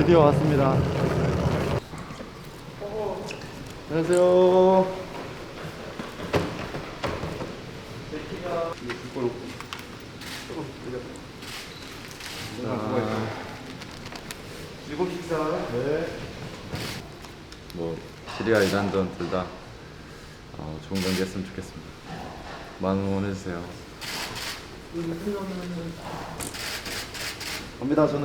드디어 왔습니다. 안녕하세요. 일곱 식사. 네. 뭐 시리아 이란전 둘 다 좋은 경기 했으면 좋겠습니다. 많은 응원해주세요. 갑니다 저는.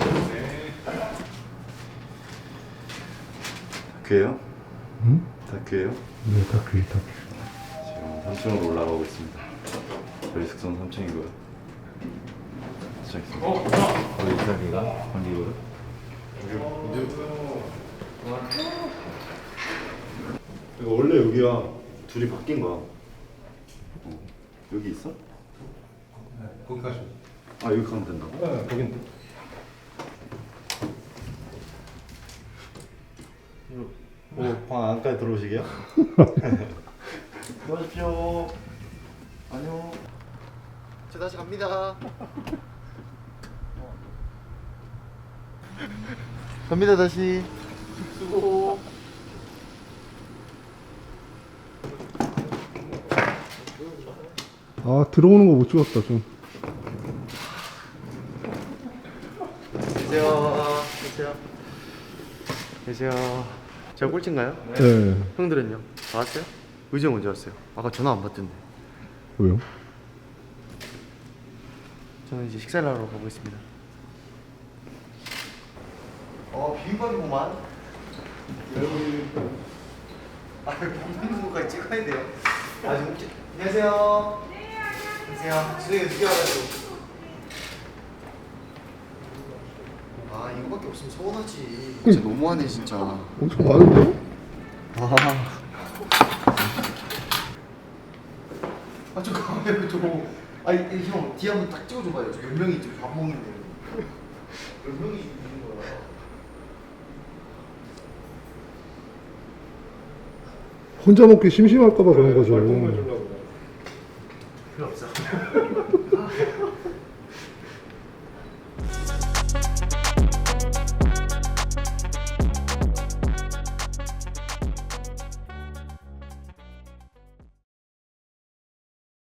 다큐예요? 응? 다큐예요? 네, 다큐. 지금 3층으로 올라가고 있습니다. 저희 숙소는 3층이고요. 시작했습니다. 거기 이사기가 관리고요. 이거 원래 여기가 둘이 바뀐 거야. 여기 있어? 네, 거기 가시면. 아 여기 가면 된다고? 네, 거긴데. 방 안까지 들어오시게요? 들어오십시오. 안녕. 저 다시 갑니다. 갑니다 다시. 수고. 아, 들어오는 거 못 찍었다, 좀. 계세요. 계세요. 계세요. 제가 꼴찌인가요? 네. 형들은요? 다 왔어요? 의정 언제 왔어요? 아까 전화 안 받던데. 왜요? 저는 이제 식사를 하러 가고 있습니다. 비빔밥이구만. 먹는 거까지 찍어야 돼요. 안녕하세요. 네, 안녕하세요. 주둥이가 늦게 와가지고. 아 이거밖에 없으면 서운하지. 진짜 너무하네 진짜. 엄청 많은데? 잠깐만요 저거. 아니 형 뒤에 한번 딱 찍어줘봐요. 저 10명이 지금 밥 먹는데. 10명이 있는 거야. 혼자 먹기 심심할까봐 그런 거죠.